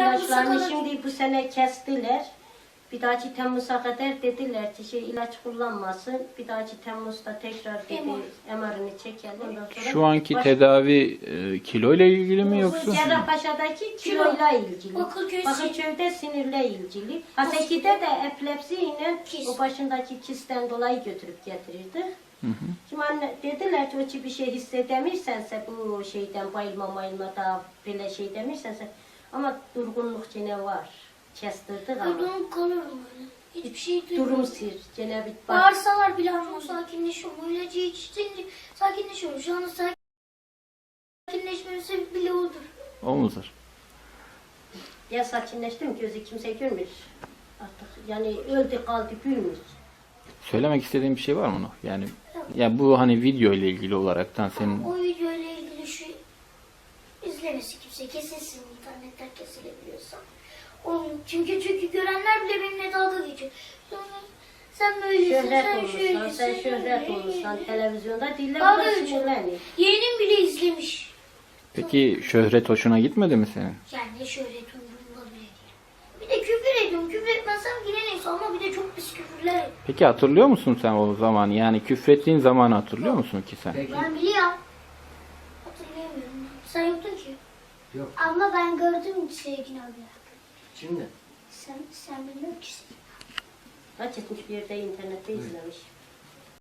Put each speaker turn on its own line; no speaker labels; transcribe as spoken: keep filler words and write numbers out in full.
İlaçlarını şimdi bu sene kestiler. Bir dahaki Temmuz'a kadar dediler ki şey ilaç kullanmasın. Bir dahaki Temmuz'da tekrar dedi M R'ını çekelim. Ondan sonra
Şu anki
baş...
tedavi e, kilo ile ilgili mi yoksa?
Cerrahpaşa'daki kiloyla ilgili.
Bakırköy
Bakırköy'de sinirle ilgili. Haseki'de de epilepsiyle o başındaki kisten dolayı götürüp getirirdi.
Hı hı.
Şimdi anne dediler ki o ki bir şey hissedemirsense bu şeyden bayılma mayılma da böyle şey demirsense ama durgunluk yine var. Kestirdik ama.
Durgunluk kalırım öyle. Hiçbir şey duymuyorum.
Durum sir. Gene bir bak.
Bağırsalar bile ama sakinleşiyorum. O ilacı içtince sakinleşiyorum. Şu anda sakinleşmemin sebebi bile odur.
O mudur?
Ya sakinleştim gözü kimse görmüyor. Artık yani öldü kaldı gülmüyor.
Söylemek istediğin bir şey var mı Nuh? Yani ya bu hani video ile ilgili olaraktan senin
O video ile ilgili şu izlemesi kimse kesilsin internetten kesilebiliyorsa. Onun, çünkü çünkü görenler bile benimle dalga geçiyor. Sonra sen böylesin,
Şöhret
sen
olursan,
şöylesin,
sen şöhret
şöyle.
olursan televizyonda diller
Dalga
buna
geçiyor.
sinirleniyor.
Yeğenim bile izlemiş.
peki şöhret hoşuna gitmedi mi senin?
Yani şöhret umurumda bile değil. Bir de küfür ediyorum. Küfür etmezsem yine neyse ama bir de çok pis küfürler ediyorum.
Peki hatırlıyor musun sen o zaman? Yani küfrettiğin zamanı hatırlıyor musun ki sen?
Ben biliyorum. Hatırlayamıyorum. Sen yoktun ki.
Yok.
Ama ben gördüm Sevgin abi.
Şimdi
Sen, sen bilmiyor musun?
Kaç etmiş bir yerde internette izlemiş.